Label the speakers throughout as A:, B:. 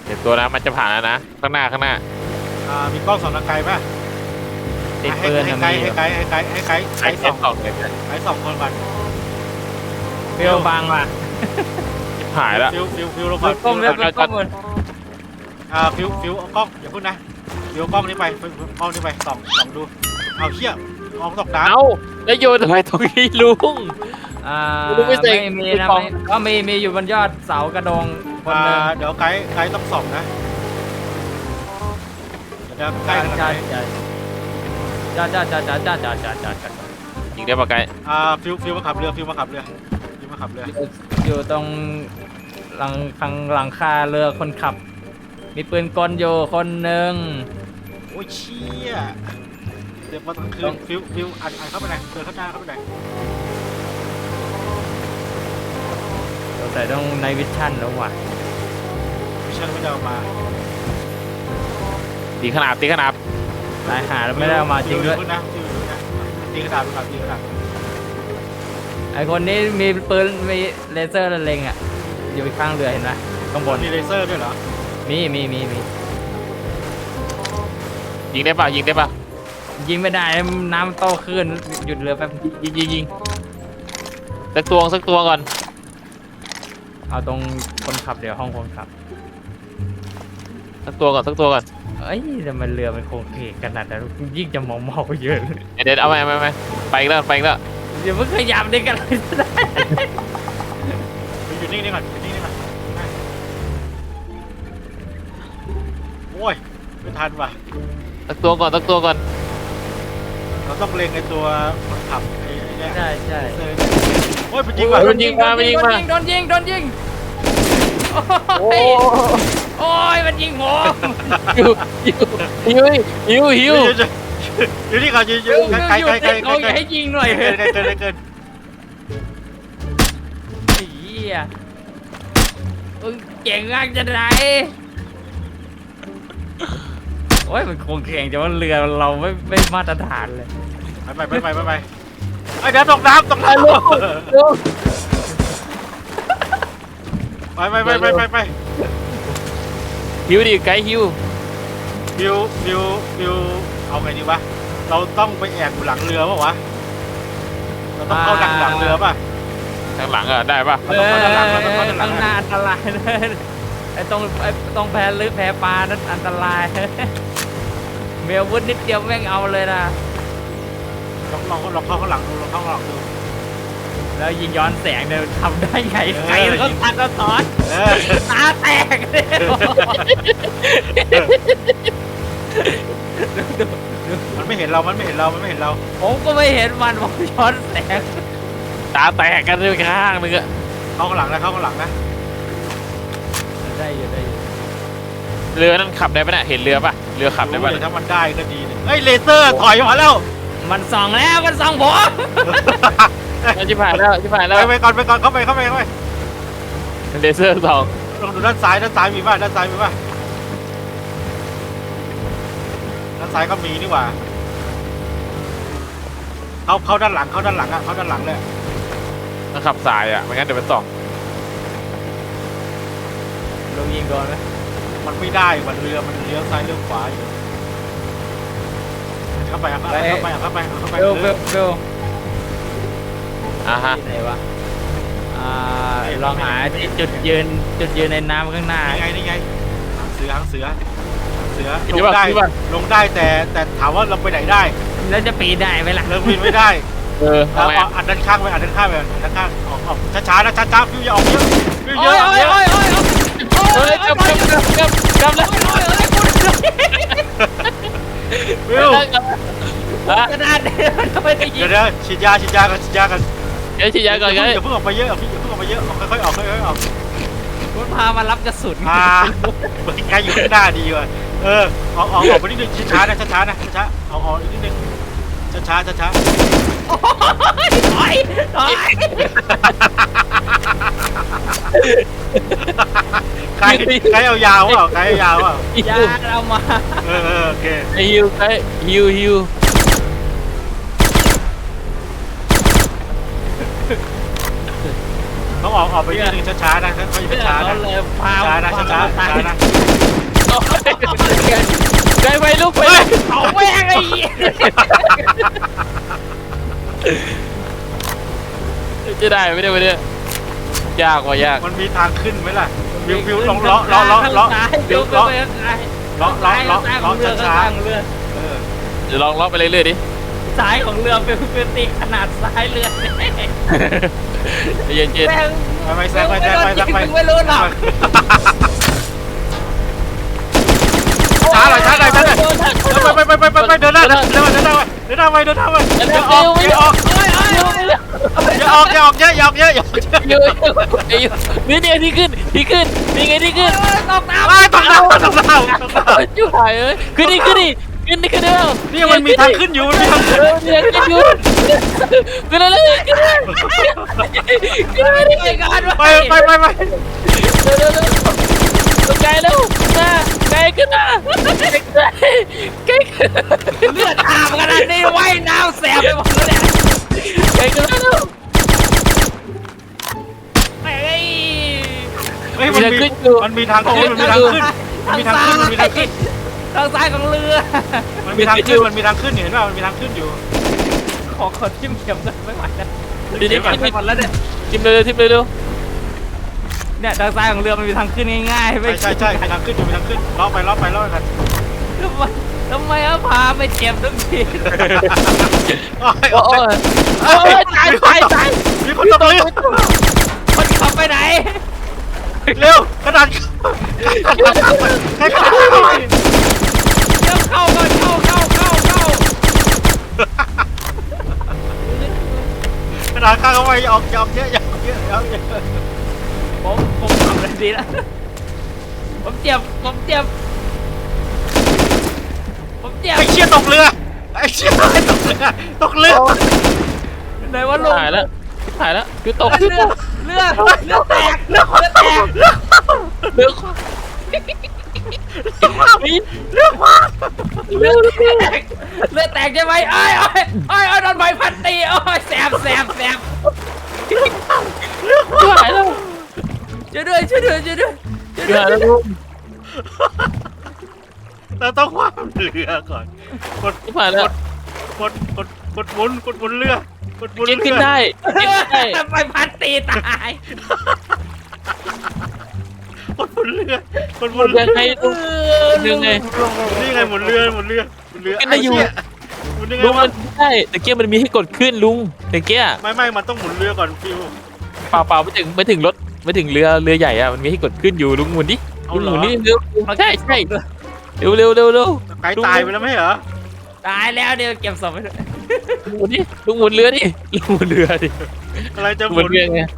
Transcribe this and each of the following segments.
A: เดี๋ยวตัวนะมันจะผ่านแล้วนะข้างหน้า
B: มีกล้องส่องทางไกลป่ะ
C: ติดปืน
B: ให้
C: นะ
B: ไกล
C: มี
B: ให้ไกลให้ไกลให้ไกล
A: ใช้
B: ส
A: เส้
B: อน ง
A: สองเลยกัน
B: ไกลสองคนก่อน
C: เปรี้ยวบางว่ะ
A: หายแล้ว
B: ฟิวลงก่อน
C: ก้มเลยก้มเลย
B: ฟิวเอากล้องอย่าพึ่งนะฟิวเอากล้องนี้ไปกล้องนี้ไปส่องดูเอาเชี่ยมองตกน้ำ
A: เอ้าแล้วโยนทำไมตรงนี้ลุง ลุงไม่เซ็ง
C: ไม่มีนะ
A: ลุง
C: ก็มีอยู่บนยอดเสากระดงคนหนึง
B: เดี๋ยวไกด์ต้องส่องนะเดี๋ยวไกด์ขนาดไหน
C: จ้า
A: ยิงได้ปะไกด์
B: ฟิวมาขับเรือ
C: อยู่ตรงหลังคาเรือคนขับ มีปืนกลอยู่คนหนึ่ง
B: โอ้ยเชี่ยเดี๋ยวมาตั้งคืนฟิวอัดเข้าไปไหนเดินเข้าหน้าเข้าไปไหน
C: ใส่ต้องในวิชั่นแล้วว่ะ
B: มิชชั่นไม่ได้เอามา
A: ตีขนาบ
C: นายหาแล้วไม่ได้เอามาจริงด้วย
B: ฟินะตีกระดาษดูครับตีกระดาษ
C: ไอคนนี้มีปืนมีเลเซอร์เล็งอ่ะอยู่ข้างเรือเห็นไหมข้างบน
B: มีเลเซอร์ด้วยเหรอ
C: มี
A: ยิงได้ปะ
C: ยิงไม่ได้น้ำโตขึ้นหยุดเรือแป๊บ
A: ยิงสักตัวก่อน
C: เอาตรงคนขับเดี๋ยวห้องคนขับ
A: สักตัวก่อน
C: เอ้ยทำไมเรือมันโค้งเคงขนาดนั้นยิ่งจะเมาเยอะเลย
A: เดี๋ยวเอาไปไปอีกแล้ว
C: อย่าเพิ่งขยับได้กันเลย
B: อยู่นิ่งๆก่อนโอ้ยไม่ทันว่ะ
A: สักตัวก่อน
B: เราต้องเล็งไอ้ตัวคนขับไอ้เนี่ย
C: ใช่
B: โอ้ยมันยิงว่ะ
A: โมันยิงมา
C: โดนยิงโอ้ยมันยิงผม
A: หิว
B: อยู่นี่ก่อนอยู่ไกล
C: เขาอย่าให้ยิงหน่อย
B: เกิน
C: ไอ้เหี้ยมึงเก่งมากจะไหนโอ้ยมันโค้งเคงแต่ว่าเรือเราไม่มาตรฐานเลย
B: ไปไอ้เดี๋ยวตกน้ำไป
A: หิวดิไกด์หิว
B: ฟิวเอาไงดีวะเราต้องไปแอบอยู่หลังเรือป่ะวะเราต้องเข้าดักหลังเรือป่ะ
A: ทางหลังอะได้ปะ
C: ข้างหน้าอันตรายเลยไอ้ตรงแพลึกแพปลานั้นอันตรายเมียวุ้นนิดเดียวแม่งเอาเลยนะ
B: ลองเข้าข้างหลังดู
C: แล้วยิงย้อนแสงเนี่ยทำได้ไงใครเขาตัดกระถอนตาแตกเลย
B: มันไม่เห็นเรา
C: ผมก็ไม่เห็นมันผมย้อนแสง
A: ตาแตกกันเลยข้างนึงอะ
B: เข้าข้างหลังนะ
C: ได้อยู่
A: เรือนั่นขับได้ปะเนี่ยเห็นเรือปะเรือขับได้ปะ
B: ถ้ามันได้ก็ดีเฮ้ยเลเซอร์ถอยมาแล้ว
C: มันส่องแล้วมันส่องผม
A: ชิบหายแล้ว
B: ไปก่อนเข้าไป
A: เลเซอร์2
B: ลองดูด้านซ้ายมีป่ะด้านซ้ายก็มีนี่หว่าเข้าด้านหลังเลย
A: มันขับสายอะไม่งั้นเดี๋ยวมันส่อง
C: ลงยิงโดนไหม
B: มันไม่ได้เรือมันเลี้ยวซ้ายเลี้ยวขวาอยู่เข้าไป
C: เบล
A: อ่ะฮะ
C: ที่ไหนวะลองหาที่จุดยืนในน้ำข้างหน้า
B: นี่ไงหางเสือลงได้แต่ถามว่าเราไปไหนได้
C: แล้วจะปีนได้ไหมล่ะ
B: เราบินไม่ได้
A: ทำไม
B: อัดด้านข้างไปออกช้านะฟิวอย่าออกเยอะฟิวเยอะ
A: เฮ้ยกลับแล้ว
B: ฟิว
C: กระดาษทำไมจะยิง
B: เดี๋ยวฉีดยากัน
A: เดี๋ยวฉีดยาก่อนไง
B: อย่าเพิ่งออกไปเยอะค่อยๆออก
C: คุณพามารับกระสุน
B: ใกล้อยู่ข้างหน้าดีว่ะออกไปนิดนึงช้านะออกอีกนิดนึงช้า
C: ถอย
B: ใครเอายาวเปล่า
C: ยาเรามา
B: โอเค
A: ฮิวไกด์ฮิว
B: ต้องออกไปนิดนึงช้านะค่อยๆช้านะ
C: เลยพา
B: ช้านะ
C: แม่งไอ้เหี้ย
A: จะได้ไม่ได้ไม่ได้ยากว่ะยาก
B: มันมีทางขึ้นไหมล่ะวิวลองล้อ
C: เดี๋ยวไป
B: ล้อ
C: ข้างซ้าย
B: ล้อช้า
C: เรือ
B: ๆเออ
A: เดี๋ยวลองเลาะไปเรื่อยๆดิ
C: ซ้ายของเรือเป็นตีขนาดซ้ายเรือ
A: เย็น
C: แม่ง
B: ไปแซงไป
C: ไม่รู้หรอก
B: ช้าหน่อยไปเดินหน้าไปอย่าออกเยอะ
A: นี่ที่ขึ้นนี่ไงที่ขึ้น
C: ตกน้ำ
B: ตกน้ำ
A: จุ๊บหายเอ้ยขึ้นแล้ว
B: นี่มันมีทางขึ้นอยู่นี่
A: เนี่ยขึ้นอยู่ขึ้นแล้วขึ้นไม่ได้
C: ไปกัน
B: ไป
A: ไกลแล้วมาไกลขึ้นมาไกล
C: เลือดอาบขนาดนี้ว่ายน้ำแสบไปหมดเลย
A: ไกลขึ้นแล้ว
C: ไอ้
B: เฮ้ยมันมีทางขึ้นทาง
C: ซ้ายของเรือ
B: มันมีทางขึ้นเห็นป่ะมันมีทางขึ้นอยู่
C: ขอทิ่มเข็มเลยไม่ไหวแล้ว
A: เดี๋ยว
C: ไปหมดแล้วเนี่ย
A: ทิมเร็ว
C: เนี่ยทางซ้ายของเรือมันมีทางขึ้นง่ายๆไม่
B: ใช่มีทางขึ้นล้อไปกัน
C: ทำไมพาไปเจ็บทุกที
A: โอ้ยตาย
B: มีคนตกเรือ
C: มันขับไปไหน
B: เร็วกระดานให้กระดาน
C: เดี๋ยวเข้าก่อนเข้าก
B: ระดานข้างเอาไว้ออกเยอะ
C: ผมทำอะไรดีแล้วผมเจ็บ
B: ไอ้เชี่ยตกเรือ
C: ไหนว่าลง
A: หายแล้วคือตก
C: เรือแตกเรือแตกใช่ไหมไอ้โดนใบพัดตีโอ้ยแสบ
A: หายแล้ว
C: ช่วยด้วย
A: หายแล้วลุง
B: เราต้องคว้าเรือก่อนกด
A: หายแล้ว
B: หมุนเรือ
A: ขึ้นได้
C: ใบพัดตีตาย
B: กดหมุนเรือ
A: ยังไงลุงยังไง
B: นี่ไงหมุนเรือ
A: ขึ้นได้อยู่
B: หมุนยังไง
A: ลุง
B: วะ
A: มันได้แต่เกี้ยมันมีให้กดขึ้นลุงแต่เกี้ย
B: ไม่มันต้องหมุนเรือก่อนฟิว
A: เปล่าไม่ถึงรถไม่ถึงเรือใหญ่อะมันมีให้กดขึ้นอยู่ลุงหมุนดิลุงหมุนนี่เร็วใช่เร็ว
B: ไก่ตายไปแล้วไม่เหรอ
C: ตายแล้วเดี๋ยวเก็บศพไปด้วย
A: หมุนดิลุงหมุนเรือดิ
B: อะไรจะห
A: ห
B: มุ
A: มุ
B: น
A: นเรือไง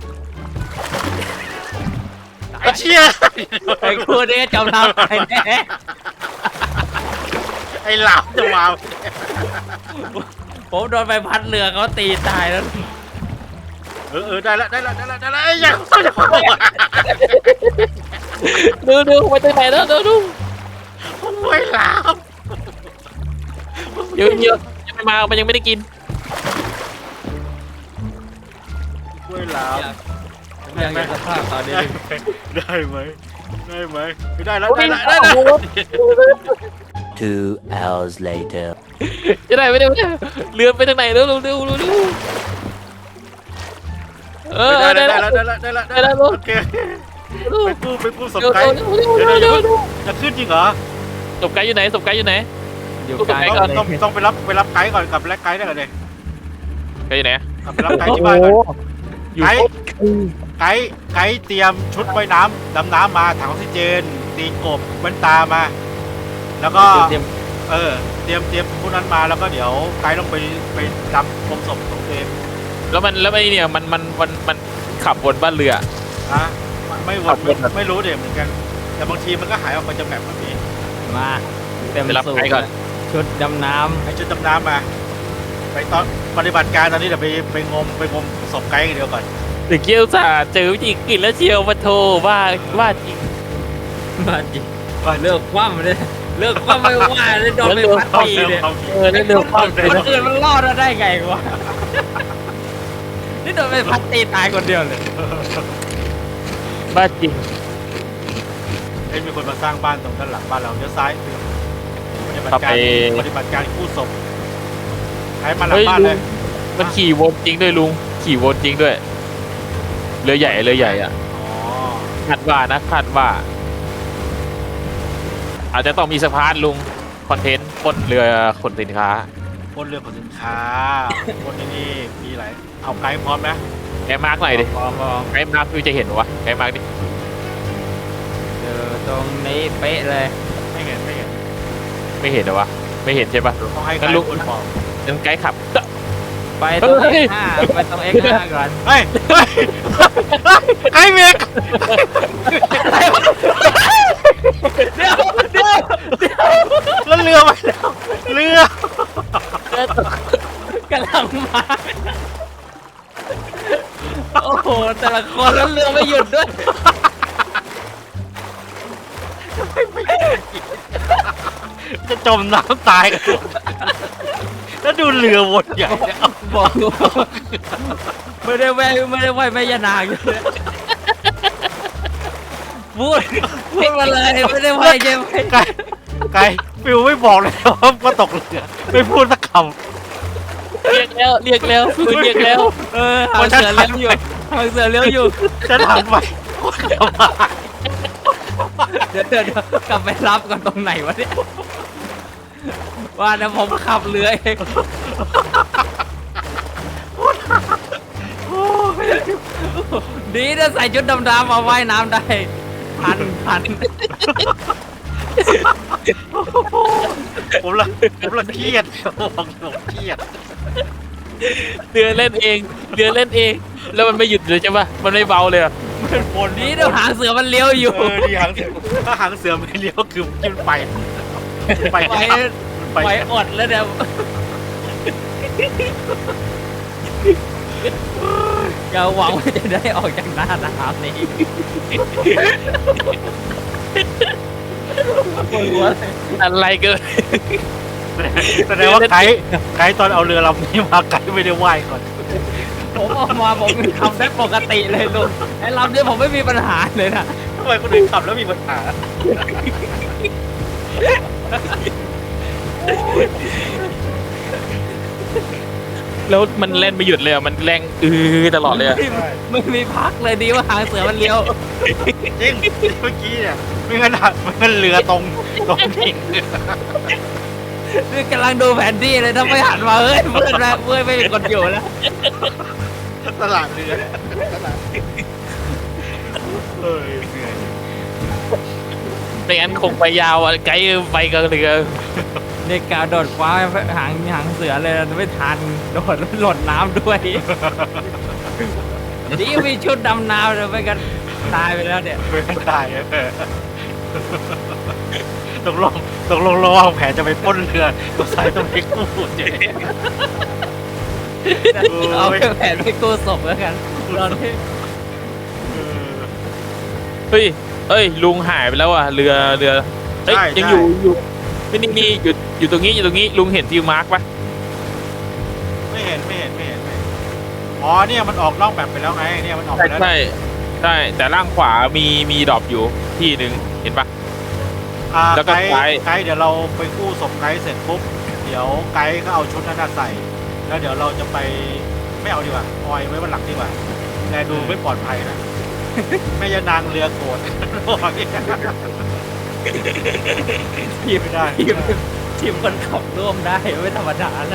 B: ไอ้เชี่ย
C: ไอ้คู่นี้จมน้ำตายแน่
B: ไอ้หลามจะมา
C: ผมโดนใบพัดเรือเขาตีตายแล้ว
B: ได้ละไอ้ยังเขาจะมา
A: ดูไปตรงไหนแล้วดู
B: ไอ้หลาม
A: เยอะยังไม่มามันยังไม่ได้กิน
B: ไอ้หลาม
C: อยากเห็นสภาพตอนนี้
B: ได้ไหมไม่ได้แล้ว
D: 2 hours later.
A: จะได้ไม่ได้เรือไปทางไหนเร็วได้แล้ว
B: โอเคไปกู้ศพไก่จะขึ้นจริงเหรอ
A: ศพไก่อยู่ไหน
C: อยู่
A: ไกล
C: ไกล
B: ต้องไปรับไก่ก่อนกับไก่ได้ก่อนเลย
A: ไก่อยู่ไหน
B: ไปรับไก่ที่บ้านก่อนไก่เตรียมชุดว่ายน้ำดำน้ำมาถังออกซิเจนตีนกบแว่นตามา แล้วก็เตรียมพวกนั้นมาแล้วก็เดี๋ยวไก่ต้องไปดำพรมศพของตัวเอง
A: แล้วไอ้เนี่ยมันขับบนบ้านเรือ
B: นะไม่รู้เดี๋ยวเหมือนกันแต่บางทีมันก็หายออกไปจากแมปแบบนี้
C: มาเต็ม
A: ไปรับ
C: สู
A: ไก่ก่อน
C: ชุดดำน้
B: ให้ชุดดำน้ำมาไปตอนปฏิบัติการตอนนี้เดี๋ยวไปงมศพไก่กันเดียวก่อน
A: เด็กเกี้ยวจ่าเจอวิธีกินแล้วเชียวมาโทรว่าจริง
C: ำมาจริงเลิกคว่ำเลยเลิกคว่ำไม่ว่าเลยโดนไปพัดตีเลย
A: เร็วความ
C: คนอื่นมันรอดได้ไงวะนี่โดนไปพัดตีตายคนเดียวเลย
A: บ้าจริง
B: มีคนมาสร้างบ้านตรงด้านหลังบ้านเราเลี้ยวซ้าย
A: ขับไป
B: ปฏิบัติการกู้ศพใครมาหลัง
A: เฮ้ย
B: บ้าน
A: ลุ
B: เล
A: ง
B: ย
A: มันขี่วนจริงด้วยลุงขี่วนจริงด้วยเรือใหญ่อ่ะ
B: อ๋อ
A: คาดว่านะคาดว่า อาจจะต้องมีสะพานลุงคอนเทนต์บนเรือขนสินค้า
B: บนเรือขนสินค้าบนนี่มีอะไรเอาไกด์พร้อมนะ
A: ไกด์มาร์กหน่อยดิ
C: มอง
A: ไกด์มาร์กพี่จะเห็นวะไกด์มาร์กดิ
C: เจอตรงนี้เป๊ะเลย
B: ไม่เห็น
A: ไม่เห็นเหรอวะไม่เห็นใช่ปะ
B: ต้องให้ไก
A: งั้น
B: ด์
A: ลุง
B: คนบอก
A: งั้นไกด์ขับ
C: ไปตรง
A: เฮ้ย
C: X5 ไปตรง X5 ก่อน
B: เฮ้ยไกด์เมก
C: เดี๋ยว
B: แล้วเรือไปแล้วเรือก
C: ำลังมา โอ้โห แต่ละคนแล้วเรือไม่หยุดด้วย
B: จะจมน้ำตายกันแล้วดูเรือวนใหญ่เนี่ย
C: บอกไม่ได้ไหวแม่ยานางอยู่เลยพูดมาเลยไม่ได้ไหวใช่ไหม
B: ไกด์ฟิวไม่บอกเลยว่าตกเรือไม่พูดสักค
A: เรียกแล้วฟื้นเรียกแล้ว
C: หางเสือเลี้ยวอยู่หางเสือเลี้ยวอยู่
B: ำจะถามไปคนเดียวมา
C: เดี๋ยวกลับไปรับกันตรงไหนวะเนี่ยว่านะผมขับเรือเองดีนะใส่ชุดดำๆมาว่ายน้ำได้ทัน
B: ผมละเครียดผมเครียด
A: เรือเล่นเองแล้วมันไม่หยุดเลยใช่ปะมันไม่เบาเลยอะ
B: บน
C: ดีนะหางเสือมันเลี้ยวอยู่
B: ดีหางเสือถ้าหางเสือไม่เลี้ยวคือมันไป
C: ไปอดแล้วเนี่ยอย่าหวังว่าจะได้ออกจากหน้าน้ำนี้ปวดหัวเลย
A: อะไรเกิน
B: แสดงว่าไกด์ตอนเอาเรือลำนี้มาไกด์ไม่ได้ว่ายก่อน
C: ผมออกมาผมทำได้ปกติเลยลุงไอ้ลำนี้ผมไม่มีปัญหาเลยนะ
B: ทำไมคนอื่นขับแล้วมีปัญหา
A: แล้วมันเล่นไม่หยุดเลยอะมันแรงตลอดเลยอะ
C: ไม่มีพักเลยดีว่าหางเสือมันเลี้ยว
B: จริงเมื่อกี้เนี่ยไม่งั้นเรือตรงดิ่ง
C: นี่กำลังดูแผนที่เลยถ้าไม่หันมาเฮ้ยเพื่อนไม่มีคนอยู่แล้ว
B: ตลาดเรือตลาดเหนื่อย
A: ไม่งั้นคงไปยาวอะไกด์ไปกับเรือ
C: นี่กาวโดดคว้าหางเสือเลยไม่ทันโดดแล้วหล่นน้ำด้วยนี่มีชุดดำน้ำเลยไม่กันตายไปแล้วเนี่ย
B: ไม่ได้ตกลงระหว่างแผนจะไปปล้นเรือตัวสายต้องไปกู้เจ๊
C: เอาแผนไปกู้ศพแล้วกันตอนที่
A: เฮ้ยลุงหายไปแล้วอะเรือเฮ้ยยังอยู่นี่อยู่ตรงนี้ลุงเห็นฟิวมาร์กปะ
B: ไม่เห็นอ๋อเนี่ยมันออกนอกแบบไปแล้วไงเนี่ยมันออกไปแล้ว
A: ใช่แต่ล่างขวามีดรอปอยู่ที่หนึ่งเห็นปะ แล้วก็
B: ไกด์เดี๋ยวเราไปกู้ศพไกด์เสร็จปุ๊บเดี๋ยวไกด์ก็เอาชุดนั้นใส่แล้วเดี๋ยวเราจะไปไม่เอาดีกว่าออยไว้บนหลังดีกว่าแต่ดูไม่ปลอดภัยนะแม่ยานางเรือโกรธพี่ไม่ได้
C: ทีมคนขับร่วมได้ไม่ธรรมดาแล้ว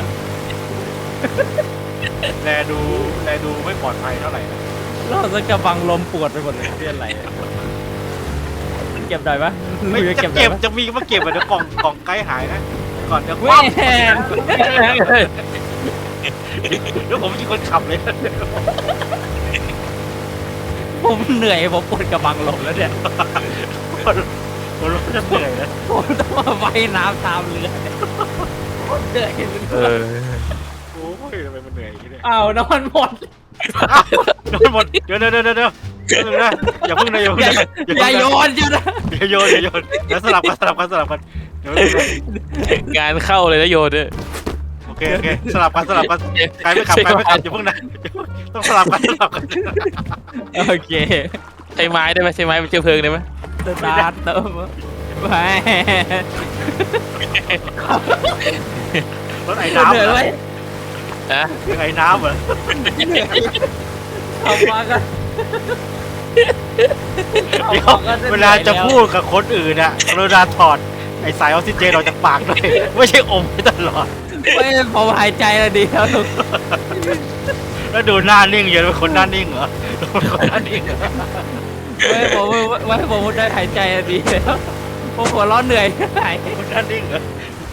B: แลดูไม่ปลอดภัยเท่าไหร่นะ
C: เราจะกระบังลมปวดไปหมดเลยที่อะไรเก็บได้ปะ
B: ไม่จะเก็บจะมีมาเก็บเดี๋ยวกล่องไกด์หายนะก่อนจะค
C: แม่
B: ว่ำเดี๋ยวผมเป็นคนขับเลย
C: ผมเหนื่อยผมปวดกระบังลมแล้วเนี่ย
B: ผมรู้จะเหนื่อยนะ
C: ผมต้องมาว่ายน้ำตามเรือเนี่ยเหนื่อย
B: โอ้ยทำไมมันเหนื่อยอย่างนี้เนี่ย
C: อ้าวน้ำมันหมด
B: โดนหมดเดี๋ยวอย่าเพิ่งนะ
C: อย่าโยนจ้ะนะ
B: อย่าโยนเดี๋ยวสลับกันเดี๋ยว
A: งานเข้าเลยนะโยนเนี่ย
B: โอเคสลับกันใครไม่ขับอย่าเพิ่งนะต้องสลับกัน
C: โอเค
A: ใช้ไม้ได้ไหมใช้ไม้เป็นเชื้อเพลิงได้ไหม
C: สตาร์ทเติมไป
B: รถไอ้น้ำ
C: เหนื่อย
B: เหรอ
C: ไหม
A: นะ
B: ไอ้น้ำเหรอ
C: ขับมาก็
B: เดี๋ยวเวลาจะพูดกับคนอื่นอะกรุณาถอดไอ้สายออกซิเจนออกจากปากด้วยไม่ใช่อมไว้ตลอด
C: ไม่ผมหายใจแล้วดีแล้วลูก
B: แล้วดูหน้านิ่งเยอะเป็นคนหน้านิ่งเหรอเป็นคนหน้านิ่งเหรอ
C: ไม่ผมได้หายใจแล้วดีแล้วผมหัวร้อนเหนื่อยหาย
B: คนหน้านิ่งเหรอ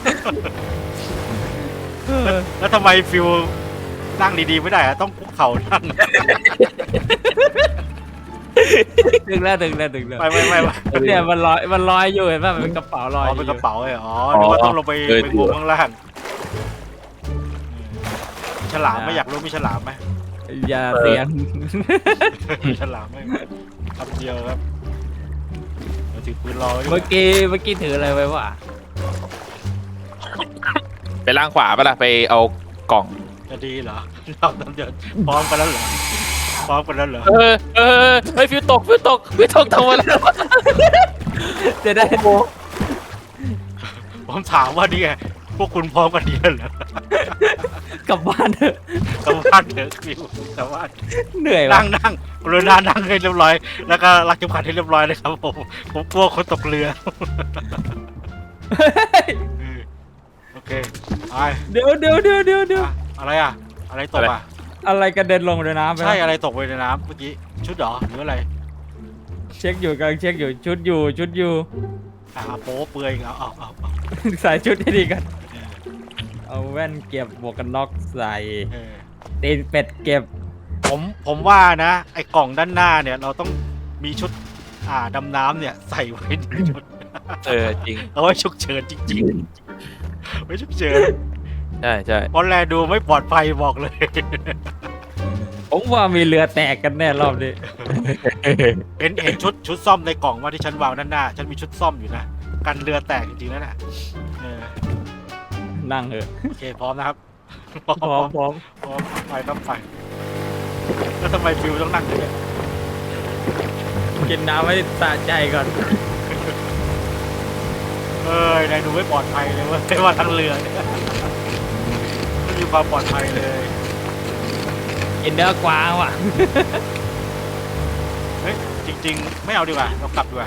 B: แล้วทำไมฟิวนั่งดีๆไม่ได้อะต้องคุกเข่านั่ง
C: ดึงแล้ว
B: ไม่
C: เนี่ยมันลอยอยู่เห็นป่ะมันเป็นกระเป๋าล
B: อ๋
C: อย
B: อเป็นกระเป๋าเลยอ๋อนึกว่าต้องลงไปงมข้างล่างฉลามไหม่อยากรู้มีฉลามไหม
C: อย่าเสียง
B: มีฉลามไหมคำเดียวครับเราถือปืนรอไว้ดีก
C: เมื่อ
B: ว่า
C: กี้ถืออะไรไว้วะ
A: ไปล่างขวาปะล่ะไปเอากล่อง
B: จะดีเหรอเราทำเดือดพร้อมกันแล้วเหรอพร้อมกันแล้วเหรอ
A: เฮ้ยฟิวตกทำอะไร
C: จะได้
B: ผมถามว่านี่ไงพวกคุณพร้อมกันดีแล้วเหรอก
C: ลับบ้านเถอะ
B: กลับบ้านเถอะฟิวกลับบ้าน
C: เหนื่อยวะ
B: นั่งกรุณานั่งให้เรียบร้อย แล้วก็รักเข็มขัดให้เรียบร้อยเลยครับผมกลัวคนตกเรือโอเคไป
C: เดี๋ยว
B: อ่ะอะไรอ่ะ อะไรตกอ่ะ
C: อะไรกระเด็นลงในน้ำไป
B: ใช่อะไรตกไปในน้ำเมื่อกี้ชุดเหรอหรืออะไร
C: เช็คอยู่กำลังเช็คอยู่ชุดอยู่
B: โป๊เปลือยอีกแล้วเอา
C: ใส่ชุดให้ดีกันเอาแว่นเก็บบวกกันน็อกใส่
B: เออ
C: ตีนเป็ดเก็บ
B: ผมว่านะไอ้กล่องด้านหน้าเนี่ยเราต้องมีชุดดำน้ำเนี่ยใส่ไว้ในชุด
A: จริง
B: เอาไว้ฉุกเฉินจริงๆไว้ฉุกเฉิน
A: ใช่
B: เพราะแลดูไม่ปลอดภัยบอกเลย
C: ผมว่ามีเรือแตกกันแน่รอบนี้
B: เห็นชุดซ่อมในกล่องว่าที่ฉันวางด้านหน้า ฉันมีชุดซ่อมอยู่นะกันเรือแตกจริงๆแล้วน่ะเออ
C: นั่งเถอะ
B: โอเคพร้อมนะครับ
C: พร้อม
B: ไปครับไปแล้วทำไมฟิวต้องนั่งด้วยเนี่ย
C: กินน้ำให้สะใจก่อน
B: เอ้ยนายดูไม่ปลอดภัยเลยเว่าไม่ว่าทั้งเรือเนี่ยไม่มีความปลอดภัยเลย
C: กินเนื้อกวางว่ะ
B: เฮ้ยจริง ๆ ไม่เอาดีกว่าเรากลับดีกว่า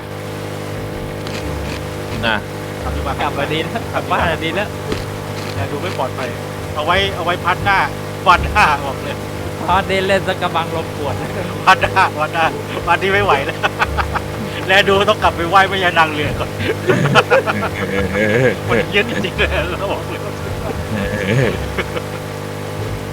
A: นะ
B: กลับดีกว่าก
C: ลับมาดีแล้วกลับบ้านดีแล้ว
B: นายดูไม่ปลอดภัยเอาไว้พัดหน้าวันหน้าบอกเลย
C: พอเดินเล่นสักกระบังลมปวด
B: วันหน้าวันที่ไม่ไหวแล้ว แล้วดูต้องกลับไปไหว้แม่ยานางเรือก่อนมันเย็นจริงๆเลยเราบอกเลย